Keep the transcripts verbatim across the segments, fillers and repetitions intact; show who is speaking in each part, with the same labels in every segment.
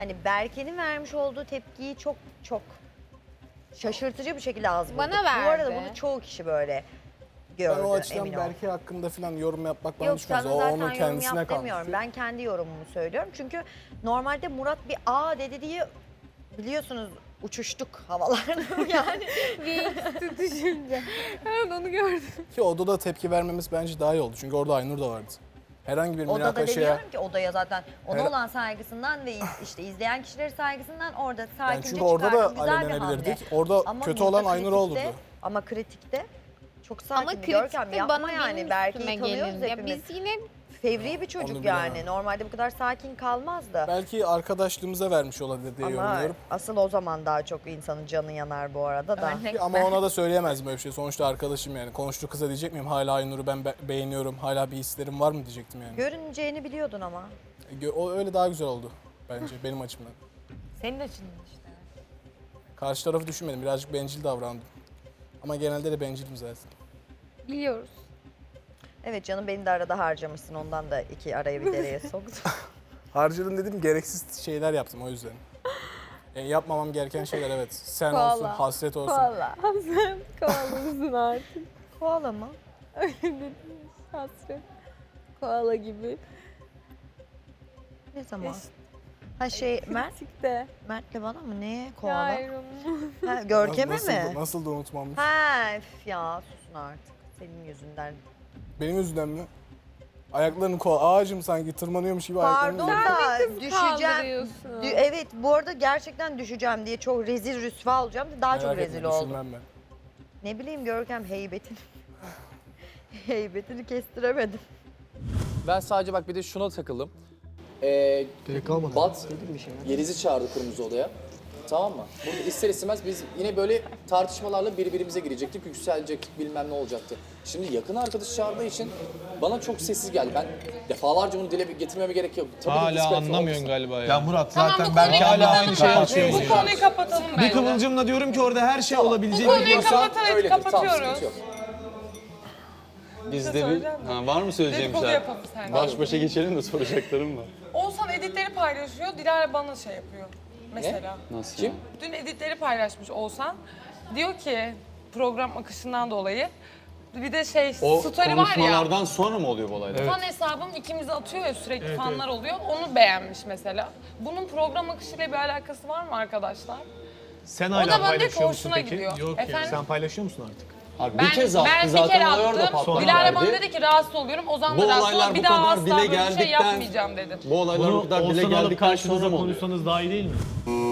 Speaker 1: Hani Berke'nin vermiş olduğu tepkiyi çok çok şaşırtıcı bir şekilde az bulduk.
Speaker 2: Bana
Speaker 1: Bu arada
Speaker 2: verdi.
Speaker 1: bunu çoğu kişi böyle
Speaker 3: Ben
Speaker 1: gördü,
Speaker 3: o açıdan
Speaker 1: emin ol.
Speaker 3: Berke hakkında falan yorum yapmak bana
Speaker 1: Yok
Speaker 3: düşmez.
Speaker 1: sana
Speaker 3: O
Speaker 1: zaten
Speaker 3: onun
Speaker 1: yorum
Speaker 3: kendisine
Speaker 1: yap
Speaker 3: kalmış.
Speaker 1: demiyorum. Ben kendi yorumumu söylüyorum. Çünkü normalde Murat bir A dedi diye biliyorsunuz uçuştuk havalarda yani.
Speaker 2: Bir üstü düşünce. Evet onu gördüm.
Speaker 3: Ki odada tepki vermemiz bence daha iyi oldu. Çünkü orada Aynur da vardı. Herhangi bir
Speaker 1: Odada
Speaker 3: münakaşaya...
Speaker 1: demiyorum ki odaya zaten ona
Speaker 3: Her-
Speaker 1: olan saygısından ve iz- işte izleyen kişileri saygısından orada
Speaker 3: Yani
Speaker 1: sakince
Speaker 3: çünkü orada da
Speaker 1: çıkarttı. Güzel bir hamle.
Speaker 3: alevlenebilirdik. Orada
Speaker 1: Ama
Speaker 3: kötü
Speaker 1: burada
Speaker 3: olan Aynur
Speaker 1: kritikte-
Speaker 3: olurdu.
Speaker 1: Ama kritikte çok
Speaker 2: Ama
Speaker 1: sakin bir Görkem
Speaker 2: kritikte
Speaker 1: yapma
Speaker 2: bana
Speaker 1: yani.
Speaker 2: benim
Speaker 1: Berke'yi
Speaker 2: üstüme
Speaker 1: tanıyoruz
Speaker 2: gelin. Ya
Speaker 1: hepimiz.
Speaker 2: biz yine
Speaker 1: Fevri bir çocuk
Speaker 3: Onu
Speaker 1: yani.
Speaker 3: bilemem.
Speaker 1: Normalde bu kadar sakin kalmazdı.
Speaker 3: Belki arkadaşlığımıza vermiş olabilir diye
Speaker 1: Ama
Speaker 3: yorumluyorum.
Speaker 1: asıl o zaman daha çok insanın canı yanar bu arada da.
Speaker 2: Örnek
Speaker 3: Ama ona da söyleyemezdim böyle bir şey. Sonuçta arkadaşım yani. Konuştu kıza diyecek miyim? Hala Aynur'u ben be- beğeniyorum. Hala bir hislerim var mı diyecektim yani.
Speaker 1: Görüneceğini biliyordun ama.
Speaker 3: Gö- O öyle daha güzel oldu bence benim açımdan.
Speaker 2: senin açından işte.
Speaker 3: Karşı tarafı düşünmedim. Birazcık bencil davrandım. Ama genelde de bencilim zaten.
Speaker 2: Biliyoruz.
Speaker 1: Evet canım beni de arada harcamışsın. Ondan da iki araya bir dereye soktu.
Speaker 3: Harcadım dedim gereksiz şeyler yaptım o yüzden. Yani yapmamam gereken şeyler evet. Sen
Speaker 2: Koala.
Speaker 3: olsun, hasret olsun.
Speaker 2: Koala. Sen koalasın artık.
Speaker 1: Koala mı?
Speaker 2: Öyle dedin. Hasret. Koala gibi.
Speaker 1: Ne zaman? Ha şey Mert,
Speaker 2: Sikte.
Speaker 1: Mert'le bana mı? Ne? Koala?
Speaker 2: Hayır.
Speaker 1: Ha, Görkem'e
Speaker 3: nasıl,
Speaker 1: mi?
Speaker 3: Nasıl da unutmamış.
Speaker 1: Ha üf ya susun artık. Senin yüzünden.
Speaker 3: Benim yüzümden mi? Ayaklarını ko ağacım sanki tırmanıyormuş gibi
Speaker 1: Pardon
Speaker 3: ayaklarını
Speaker 1: da düşeceğim.
Speaker 2: kaldırıyorsun.
Speaker 1: Dü- evet bu arada gerçekten düşeceğim diye çok rezil rüsva olacağım. Daha çok
Speaker 3: Merak
Speaker 1: rezil
Speaker 3: etme,
Speaker 1: oldum.
Speaker 3: düşünmem ben.
Speaker 1: Ne bileyim Görkem heybetini. heybetini kestiremedim.
Speaker 4: Ben sadece bak bir de şuna takıldım. Ee,
Speaker 5: Gerek kalmadı.
Speaker 4: Bat Yeliz'i çağırdı kırmızı odaya. Tamam mı? Burada ister istemez biz yine böyle tartışmalarla birbirimize girecektik, yükselecektik, bilmem ne olacaktı. Şimdi yakın arkadaş çağırdığı için bana çok sessiz geldi. Ben defalarca bunu dile getirmeme gerek yok. Tabii ki
Speaker 6: Hala
Speaker 4: diskalifiye
Speaker 6: anlamıyorsun
Speaker 4: olmasın.
Speaker 6: galiba ya.
Speaker 5: Ya Murat
Speaker 7: Tamam,
Speaker 5: zaten
Speaker 7: bu
Speaker 5: belki
Speaker 7: konuyu
Speaker 5: hala
Speaker 7: kapatalım
Speaker 5: aynı şeyi
Speaker 7: bence.
Speaker 5: açıyor.
Speaker 7: Bu konuyu kapatalım bence.
Speaker 5: Bir kıvılcımla diyorum ki orada her şey olabilecek.
Speaker 7: Bu konuyu
Speaker 5: diyorsa-
Speaker 7: kapat, evet,
Speaker 4: Öyledir, tamam,
Speaker 7: kapatıyoruz.
Speaker 4: sıkıntı yok.
Speaker 6: Bizde bir... Ha, var mı söyleyeceğim
Speaker 7: Dedikodu
Speaker 6: şey?
Speaker 7: yapalım seninle.
Speaker 6: Baş başa geçelim de soracaklarım var.
Speaker 7: Oğuzhan editleri paylaşıyor, Dilara bana şey yapıyor. Mesela.
Speaker 6: Nasıl
Speaker 4: Kim?
Speaker 6: ya?
Speaker 7: Dün editleri paylaşmış Oğuzhan. Diyor ki program akışından dolayı bir de şey
Speaker 6: O
Speaker 7: story var ya.
Speaker 6: konuşmalardan sonra mı oluyor bu olaylar?
Speaker 7: Fan hesabım ikimizi atıyor ya sürekli fanlar oluyor. Onu beğenmiş mesela. Bunun program akışıyla bir alakası var mı arkadaşlar?
Speaker 5: Sen
Speaker 7: O
Speaker 5: hala
Speaker 7: da bana diyor ki
Speaker 5: paylaşıyor musun
Speaker 7: hoşuna
Speaker 5: peki?
Speaker 7: gidiyor.
Speaker 5: Yok
Speaker 7: Efendim?
Speaker 5: ya. Sen paylaşıyor musun artık?
Speaker 6: Abi
Speaker 7: Ben,
Speaker 6: bir kez attı
Speaker 7: ben bir
Speaker 6: zaten
Speaker 7: kere
Speaker 6: olay orada
Speaker 7: attım.
Speaker 6: patlak
Speaker 7: Dilara bana
Speaker 6: verdi.
Speaker 7: dedi ki rahatsız oluyorum. Ozan
Speaker 6: Bu
Speaker 7: da rahatsız
Speaker 6: olaylar
Speaker 7: oluyor. Bir
Speaker 6: bu
Speaker 7: daha
Speaker 6: kadar
Speaker 7: asla
Speaker 6: dile
Speaker 7: böyle bir şey
Speaker 6: geldikten-
Speaker 7: yapmayacağım dedim.
Speaker 6: Bu olaylar bu
Speaker 5: Bunu
Speaker 6: kadar dile
Speaker 5: Oğuzhan alıp
Speaker 6: geldikten sonra
Speaker 5: karşınıza
Speaker 6: mı oluyor?
Speaker 5: konuşsanız daha iyi değil mi?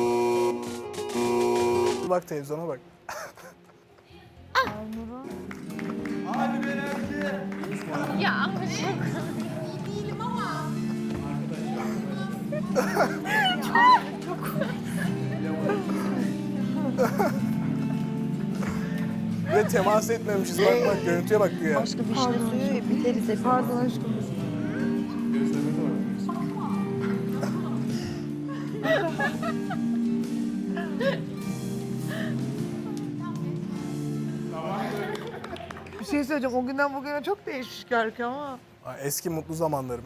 Speaker 3: Bak televizyona bak.
Speaker 2: Ya ama
Speaker 3: Ve temas etmemişiz. Bak bak görüntüye bak güya.
Speaker 1: Başka bir şey suyu biteriz hep. Pardon aşkım.
Speaker 8: Bir şey söyleyeceğim. O günden bugüne çok değişmiş Görkem ama.
Speaker 3: Ay, eski mutlu zamanlarım.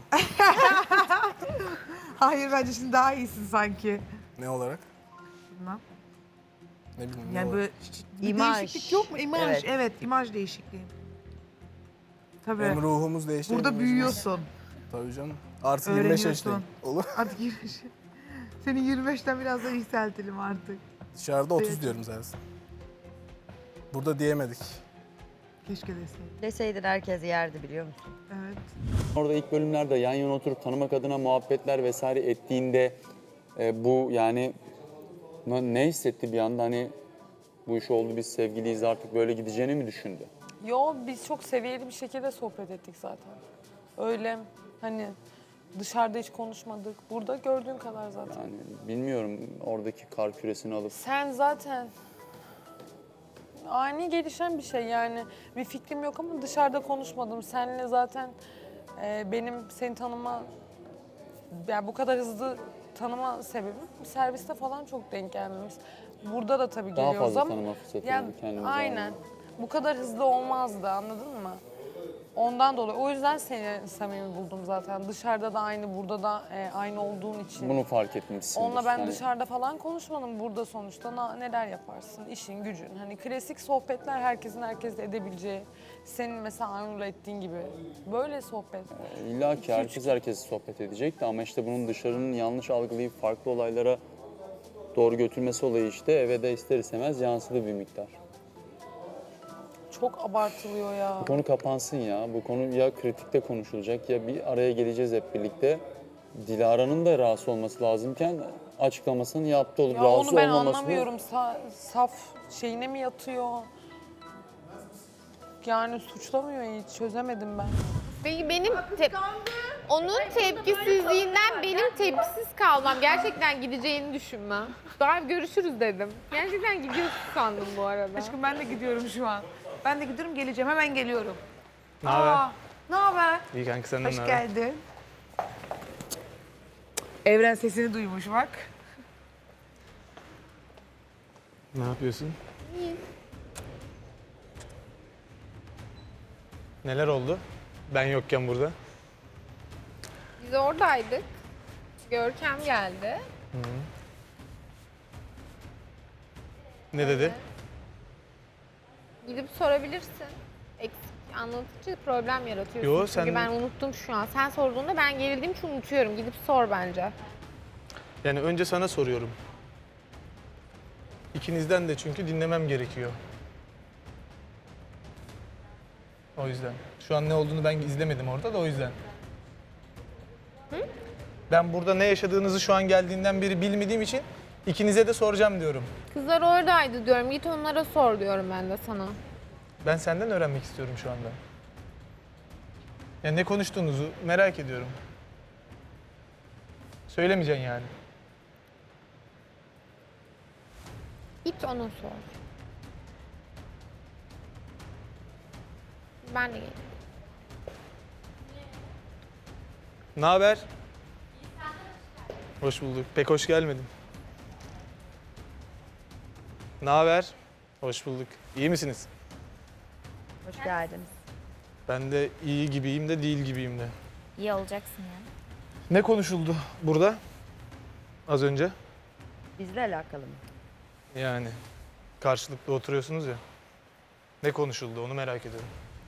Speaker 8: Hayır bence şimdi daha iyisin sanki.
Speaker 3: Ne olarak?
Speaker 8: Bilmem.
Speaker 3: Ne bileyim ne
Speaker 8: Yani
Speaker 3: olarak.
Speaker 8: böyle bir
Speaker 1: İmaj.
Speaker 8: değişiklik yok mu? İmaj.
Speaker 1: Evet.
Speaker 8: Evet, imaj değişikliği. Tabii.
Speaker 3: Hem ruhumuz değişti.
Speaker 8: Burada
Speaker 3: hem
Speaker 8: büyüyorsun.
Speaker 3: Tabii canım. Artı yirmi beş
Speaker 8: Öğreniyorsun.
Speaker 3: yaşındayım. Olur.
Speaker 8: Artık yirmi beş. Seni yirmi beşten biraz daha yükseltelim artık.
Speaker 3: Dışarıda otuz
Speaker 8: Evet.
Speaker 3: diyorum zaten. Burada diyemedik.
Speaker 8: Keşke deseydin.
Speaker 1: Deseydin herkes yerdi biliyor musun?
Speaker 8: Evet.
Speaker 6: Orada ilk bölümlerde yan yana oturup tanımak adına muhabbetler vesaire ettiğinde e, bu yani ne, ne hissetti bir anda hani bu iş oldu biz sevgiliyiz artık böyle gideceğini mi düşündü?
Speaker 7: Yo biz çok seviyeli bir şekilde sohbet ettik zaten. Öyle hani dışarıda hiç konuşmadık. Burada gördüğün kadar zaten.
Speaker 6: Yani bilmiyorum oradaki kar küresini alıp
Speaker 7: Sen zaten ani gelişen bir şey yani. Bir fikrim yok ama dışarıda konuşmadım. Seninle zaten e, benim seni tanıma, yani bu kadar hızlı tanıma sebebim serviste falan çok denk gelmemiz. Burada da tabii
Speaker 6: Daha
Speaker 7: geliyoruz
Speaker 6: fazla
Speaker 7: ama.
Speaker 6: tanıma fırsatı
Speaker 7: Ya,
Speaker 6: oldu kendimize.
Speaker 7: aynen. Bu kadar hızlı olmazdı anladın mı? Ondan dolayı. O yüzden seni samimi buldum zaten. Dışarıda da aynı, burada da e, aynı olduğun için.
Speaker 6: Bunu fark etmişsin.
Speaker 7: Onunla ben dışarıda falan konuşmadım. Burada sonuçta na- neler yaparsın, işin, gücün. Hani klasik sohbetler herkesin herkesle edebileceği. Senin mesela Aynur'la ettiğin gibi. Böyle sohbet.
Speaker 6: İlla ki herkes herkes sohbet edecekti ama işte bunun dışarının yanlış algılayıp farklı olaylara doğru götürmesi olayı işte eve de ister istemez yansıdı bir miktar.
Speaker 7: Çok abartılıyor ya.
Speaker 6: Bu konu kapansın ya. Bu konu ya kritikte konuşulacak ya bir araya geleceğiz hep birlikte. Dilara'nın da rahatsız olması lazımken açıklamasını yaptı olup
Speaker 7: Ya
Speaker 6: rahatsız
Speaker 7: onu ben
Speaker 6: olmaması.
Speaker 7: anlamıyorum. Sa- saf şeyine mi yatıyor? Yani suçlamıyor hiç. Çözemedim ben.
Speaker 2: Peki benim te- onun tepkisizliğinden benim tepkisiz kalmam. Gerçekten gideceğini düşünmem. Daha görüşürüz dedim. Gerçekten gidiyorsun sandım bu arada.
Speaker 8: Aşkım ben de gidiyorum şu an. Ben de gidiyorum geleceğim hemen geliyorum.
Speaker 3: Ne haber?
Speaker 8: Aa, ne haber?
Speaker 3: İyi kanka senden
Speaker 8: Hoş
Speaker 3: ne haber?
Speaker 8: geldin. Evren sesini duymuş bak.
Speaker 3: Ne yapıyorsun? Neler oldu? Ben yokken burada.
Speaker 2: Biz oradaydık. Görkem geldi.
Speaker 3: Ne dedi?
Speaker 2: Gidip sorabilirsin. Eksik anlatıcı problem yaratıyorsun.
Speaker 3: Yo,
Speaker 2: Çünkü
Speaker 3: sen-
Speaker 2: ben unuttum şu an. Sen sorduğunda ben gerildiğim için unutuyorum. Gidip sor bence.
Speaker 3: Yani önce sana soruyorum. İkinizden de çünkü dinlemem gerekiyor. O yüzden. Şu an ne olduğunu ben izlemedim orada da o yüzden. Ben burada ne yaşadığınızı şu an geldiğinden beri bilmediğim için ikinize de soracağım diyorum.
Speaker 2: Kızlar oradaydı diyorum. Git onlara sor diyorum ben de sana.
Speaker 3: Ben senden öğrenmek istiyorum şu anda. Yani ne konuştuğunuzu merak ediyorum. Söylemeyeceksin yani.
Speaker 2: Git ona sor. Ben de geleyim.
Speaker 3: Ne haber? Hoş bulduk. Pek hoş gelmedim. Ne haber? Hoş bulduk. İyi misiniz?
Speaker 1: Hoş geldiniz.
Speaker 3: Ben de iyi gibiyim de değil gibiyim de.
Speaker 9: İyi olacaksın ya.
Speaker 3: Ne konuşuldu burada az önce?
Speaker 1: Bizle alakalı mı?
Speaker 3: Yani karşılıklı oturuyorsunuz ya. Ne konuşuldu onu merak ediyorum.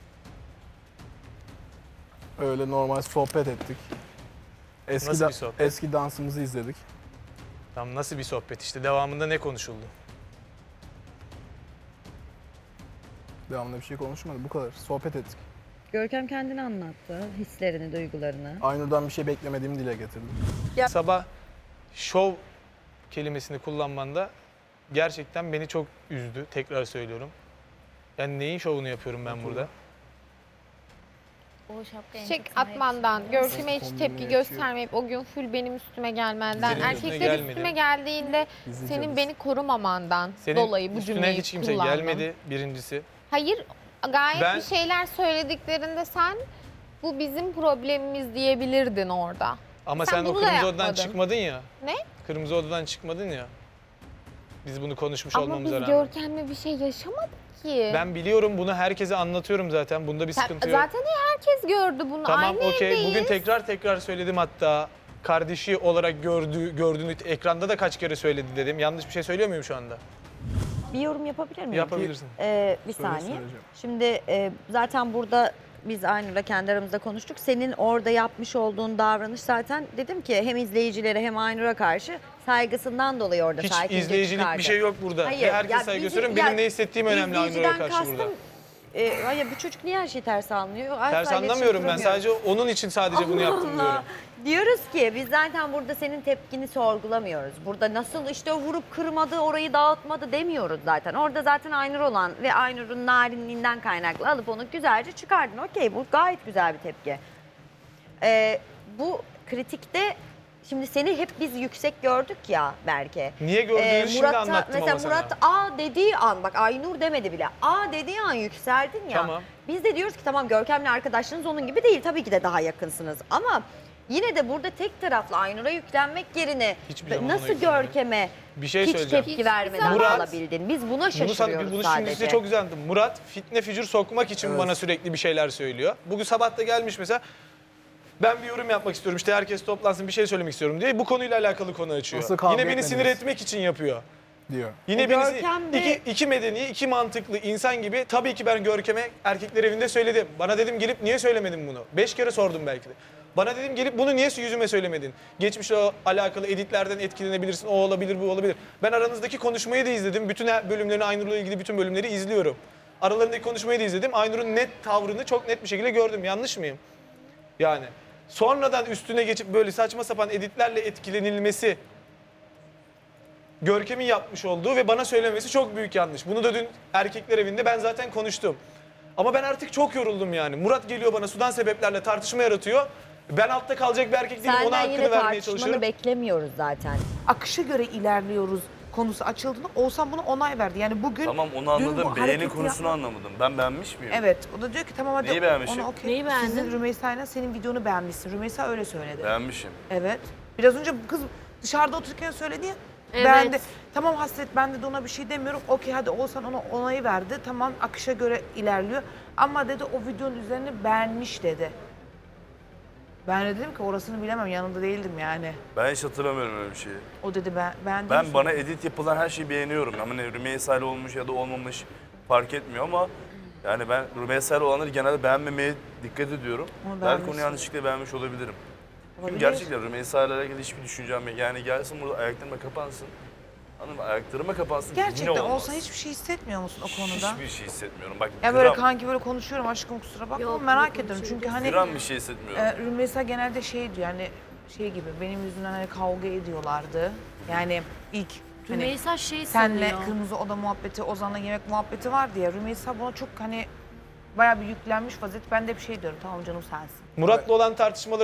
Speaker 3: Öyle normal sohbet ettik. Eski,
Speaker 10: Nasıl bir sohbet?
Speaker 3: eski dansımızı izledik.
Speaker 10: Tam nasıl bir sohbet işte devamında ne konuşuldu?
Speaker 3: Devamında bir şey konuşmadık bu kadar. Sohbet ettik.
Speaker 11: Görkem kendini anlattı, hislerini, duygularını.
Speaker 3: Aynur'dan bir şey beklemediğimi dile getirdim.
Speaker 10: Sabah şov kelimesini kullanmanda gerçekten beni çok üzdü. Tekrar söylüyorum. Yani neyin şovunu yapıyorum ben burada?
Speaker 9: O şapka
Speaker 2: Çiçek atmandan, Görkem'e hiç tepki göstermeyip o gün full benim üstüme gelmenden,
Speaker 10: Senin üstüne
Speaker 2: erkekler
Speaker 10: gelmedi.
Speaker 2: üstüme geldiğinde senin beni korumamandan
Speaker 10: Senin
Speaker 2: dolayı bu
Speaker 10: üstüne
Speaker 2: cümleyi
Speaker 10: hiç kimse
Speaker 2: kullandım.
Speaker 10: gelmedi birincisi.
Speaker 2: Hayır, gayet
Speaker 10: Ben-
Speaker 2: bir şeyler söylediklerinde sen bu bizim problemimiz diyebilirdin orada.
Speaker 10: Ama
Speaker 2: Sen
Speaker 10: sen, o
Speaker 2: bunu da
Speaker 10: kırmızı odadan
Speaker 2: yapmadın.
Speaker 10: çıkmadın ya.
Speaker 2: Ne?
Speaker 10: Kırmızı odadan çıkmadın ya. Biz bunu konuşmuş
Speaker 2: Ama biz
Speaker 10: olmamıza rağmen.
Speaker 2: Görkem'le bir şey yaşamadık ki.
Speaker 10: Ben biliyorum bunu herkese anlatıyorum zaten. Bunda bir
Speaker 2: Sen-
Speaker 10: sıkıntı yok.
Speaker 2: Zaten herkes gördü bunu.
Speaker 10: Tamam
Speaker 2: Aynı
Speaker 10: okey.
Speaker 2: evdeyiz.
Speaker 10: Bugün tekrar tekrar söyledim hatta. Kardeşi olarak gördüğü, gördüğünü ekranda da kaç kere söyledi dedim. Yanlış bir şey söylüyor muyum şu anda?
Speaker 1: Bir yorum yapabilir miyim?
Speaker 10: Yapabilirsin.
Speaker 1: Ee, bir
Speaker 3: Söyle,
Speaker 1: saniye.
Speaker 3: söyleyeceğim.
Speaker 1: Şimdi e, zaten burada biz Aynur'la kendi aramızda konuştuk. Senin orada yapmış olduğun davranış zaten dedim ki hem izleyicilere hem Aynur'a karşı saygısından dolayı orada
Speaker 10: Hiç
Speaker 1: sakince
Speaker 10: izleyicilik
Speaker 1: çıkardı.
Speaker 10: bir şey yok burada.
Speaker 1: Hayır,
Speaker 10: Ve herkes
Speaker 1: ya
Speaker 10: saygı
Speaker 1: bizi-
Speaker 10: gösteriyorum.
Speaker 1: ya
Speaker 10: Benim ne hissettiğim önemli Aynur'a
Speaker 1: İzleyiciden
Speaker 10: karşı
Speaker 1: kastım,
Speaker 10: burada.
Speaker 1: E, hayır bu çocuk niye her şeyi ters anlıyor? Asla
Speaker 10: Ters
Speaker 1: iletişim
Speaker 10: anlamıyorum ben.
Speaker 1: kuramıyor.
Speaker 10: Sadece onun için sadece bunu yaptım
Speaker 1: Allah.
Speaker 10: diyorum.
Speaker 1: Diyoruz ki biz zaten burada senin tepkini sorgulamıyoruz. Burada nasıl işte vurup kırmadı, orayı dağıtmadı demiyoruz zaten. Orada zaten Aynur olan ve Aynur'un narinliğinden kaynaklı alıp onu güzelce çıkardın. Okey, bu gayet güzel bir tepki. Ee, bu kritikte şimdi seni hep biz yüksek gördük ya Berke.
Speaker 10: Niye gördüğünüzü
Speaker 1: Ee,
Speaker 10: şimdi
Speaker 1: Murat'a-
Speaker 10: anlattım
Speaker 1: mesela
Speaker 10: ama sana.
Speaker 1: Murat A dediği an bak Aynur demedi bile. A dediği an yükseldin ya.
Speaker 10: Tamam.
Speaker 1: Biz de diyoruz ki tamam Görkem'le arkadaşlığınız onun gibi değil. Tabii ki de daha yakınsınız ama Yine de burada tek taraflı Aynur'a yüklenmek yerine
Speaker 10: Hiçbir zaman ona
Speaker 1: nasıl
Speaker 10: yüklenmedim.
Speaker 1: Görkem'e
Speaker 10: Bir şey
Speaker 1: hiç
Speaker 10: söyleyeceğim.
Speaker 1: tepki vermeden
Speaker 10: Murat-
Speaker 1: kalabildin? Biz buna
Speaker 10: Bunu, sana,
Speaker 1: şaşırıyoruz
Speaker 10: bunu şimdi
Speaker 1: sadece.
Speaker 10: size çok güzel anlattım. Murat fitne fücur sokmak için bana sürekli bir şeyler söylüyor. Bugün sabah da gelmiş mesela. Ben bir yorum yapmak istiyorum. İşte herkes toplansın bir şey söylemek istiyorum diye bu konuyla alakalı konu açıyor.
Speaker 3: Nasıl kavga
Speaker 10: Yine beni sinir
Speaker 3: etmediniz?
Speaker 10: etmek için yapıyor.
Speaker 3: diyor.
Speaker 10: Yine
Speaker 1: E,
Speaker 10: beni
Speaker 1: Görkem de-
Speaker 10: iki, iki medeni, iki mantıklı insan gibi tabii ki ben Görkem'e erkekler evinde söyledim. Bana dedim gelip niye söylemedin bunu? Beş kere sordum belki de. Bana dedim gelip bunu niye yüzüme söylemedin? Geçmişle o alakalı editlerden etkilenebilirsin, o olabilir, bu olabilir. Ben aranızdaki konuşmayı da izledim. Bütün her- bölümlerini, Aynur'la ilgili bütün bölümleri izliyorum. Aralarındaki konuşmayı da izledim. Aynur'un net tavrını çok net bir şekilde gördüm. Yanlış mıyım? Yani sonradan üstüne geçip böyle saçma sapan editlerle etkilenilmesi Görkem'in yapmış olduğu ve bana söylemesi çok büyük yanlış. Bunu da dün erkekler evinde ben zaten konuştum. Ama ben artık çok yoruldum yani. Murat geliyor bana sudan sebeplerle tartışma yaratıyor. Ben altta kalacak bir erkek değilim. Ona
Speaker 1: Senden
Speaker 10: hakkını
Speaker 1: yine
Speaker 10: vermeye
Speaker 1: tartışmanı
Speaker 10: çalışıyorum.
Speaker 1: beklemiyoruz zaten.
Speaker 8: Akışa göre ilerliyoruz konusu açıldığında Oğuzhan buna onay verdi. Yani bugün
Speaker 9: Tamam onu
Speaker 8: dün bu
Speaker 9: anladım. Beğeni
Speaker 8: hareketi
Speaker 9: konusunu
Speaker 8: yapma-
Speaker 9: anlamadım. Ben beğenmiş miyim?
Speaker 8: Evet. O da diyor ki tamam hadi
Speaker 9: Neyi beğenmişim?
Speaker 8: onu okey.
Speaker 11: Neyi beğendin?
Speaker 8: Sizin Rümeysa'yla senin videonu beğenmişsin. Rümeysa öyle söyledi.
Speaker 9: Beğenmişim.
Speaker 8: Evet. Biraz önce bu kız dışarıda otururken söyledi ya.
Speaker 11: Evet.
Speaker 8: Ben de tamam Hasret ben de, de ona bir şey demiyorum. Okey hadi Oğuzhan ona onayı verdi. Tamam akışa göre ilerliyor. Ama dedi o videonun üzerine beğenmiş dedi. Ben de dedim ki orasını bilemem yanında değildim yani.
Speaker 9: Ben hiç hatırlamıyorum öyle bir şeyi.
Speaker 8: O dedi ben beğendim.
Speaker 9: Ben bana edit yapılan her şeyi beğeniyorum. Ama ne Rümeysa ile olmuş ya da olmamış fark etmiyor ama yani ben Rümeysa ile olanları genelde beğenmemeye dikkat ediyorum.
Speaker 8: Ama
Speaker 9: Belki
Speaker 8: beğenmişsin.
Speaker 9: onu yanlışlıkla beğenmiş olabilirim. Çünkü
Speaker 8: Olabilir.
Speaker 9: gerçekten Rümeysa ile alakalı hiçbir düşüncem yok. Yani gelsin burada ayaklarıma kapansın. Hanım ayaklarıma kapansın.
Speaker 8: Gerçekten
Speaker 9: yine olmaz.
Speaker 8: olsa hiçbir şey hissetmiyor musun o konuda?
Speaker 9: Hiçbir şey hissetmiyorum. Bak
Speaker 8: Ya böyle
Speaker 9: gram,
Speaker 8: kanki böyle konuşuyorum aşkım kusura bakma
Speaker 11: Yok,
Speaker 8: merak
Speaker 11: yok,
Speaker 8: ediyorum çünkü
Speaker 11: konuşuyoruz.
Speaker 8: hani
Speaker 9: gram bir şey hissetmiyorum.
Speaker 8: e, Rümeysa genelde şey diyor yani şey gibi benim yüzümden hani kavga ediyorlardı. Yani ilk hani
Speaker 11: Rümeysa şey
Speaker 8: senle
Speaker 11: sanıyor.
Speaker 8: kırmızı oda muhabbeti, Ozan'la yemek muhabbeti vardı ya. Rümeysa buna çok hani bayağı bir yüklenmiş vaziyet. Ben de bir şey diyorum tamam canım sensin.
Speaker 10: Murat'la olan tartışmaları